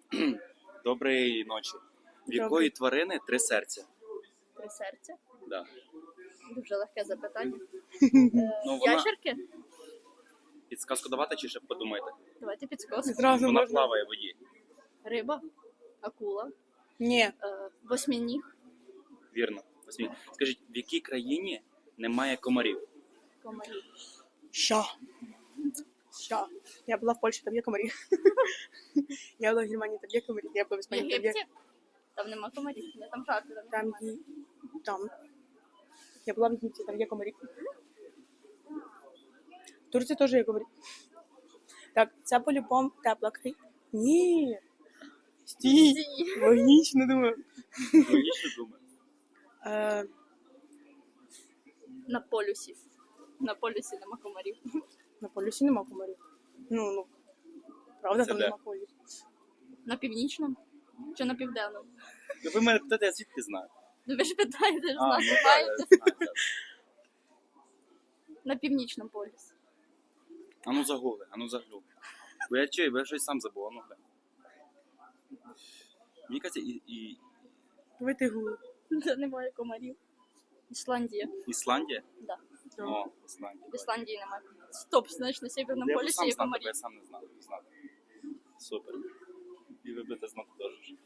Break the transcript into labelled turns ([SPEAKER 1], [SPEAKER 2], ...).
[SPEAKER 1] Доброї ночі. В якої тварини три серця?
[SPEAKER 2] Три серця.
[SPEAKER 1] Да.
[SPEAKER 2] Дуже легке запитання.
[SPEAKER 1] Ну, вона...
[SPEAKER 2] Ящерки?
[SPEAKER 1] Підсказку давати чи ще подумайте?
[SPEAKER 2] Давайте підсказку.
[SPEAKER 3] Зразу
[SPEAKER 1] Вона
[SPEAKER 3] можна.
[SPEAKER 1] плаває в воді.
[SPEAKER 2] Риба, акула,
[SPEAKER 3] Ні.
[SPEAKER 2] восьминіг,
[SPEAKER 1] Вірно. Скажіть, в якій країні немає комарів?
[SPEAKER 2] комарі.
[SPEAKER 3] Що? Я була в Польщі, там є комарі. Я була в Германії, там є комарі. Я була в
[SPEAKER 2] В
[SPEAKER 3] Іспанії, там є.
[SPEAKER 2] Єгипті? Там нема комарів, не там жарти.
[SPEAKER 3] Там є. Там. Я була в Єгипті, там є комарі. В Турції теж є комарі. Так, це по-любому тепла країна. Ні. Стій. Логічно думаю.
[SPEAKER 1] Логічно думаю.
[SPEAKER 2] На полюсі. На полюсі нема комарів.
[SPEAKER 3] На полюсі нема комарів. Ну. Правда,
[SPEAKER 1] Це
[SPEAKER 3] там
[SPEAKER 1] де?
[SPEAKER 3] нема полюсу.
[SPEAKER 2] На північному? Чи на південному?
[SPEAKER 1] Ви мене питаєте, я звідки знаю?
[SPEAKER 2] Ну ви ж питаєте, ж
[SPEAKER 1] А, ну
[SPEAKER 2] знаєте.
[SPEAKER 1] так, я знаю. Так.
[SPEAKER 2] На північному полюсі.
[SPEAKER 1] Ану загугли, ану заглюк. Бо я чую, бо я щось сам забув, ану глянь. Мені кажеться,
[SPEAKER 3] Давайте гули.
[SPEAKER 2] Де немає комарів. Ісландія.
[SPEAKER 1] Ісландія?
[SPEAKER 2] Да.
[SPEAKER 1] О, Ісландія.
[SPEAKER 2] В Ісландії немає. Стоп, значить на Северному
[SPEAKER 1] Я б
[SPEAKER 2] полюсі
[SPEAKER 1] сам
[SPEAKER 2] є
[SPEAKER 1] знав,
[SPEAKER 2] комарі.
[SPEAKER 1] я сам не знав. Супер. І ви будете знати теж.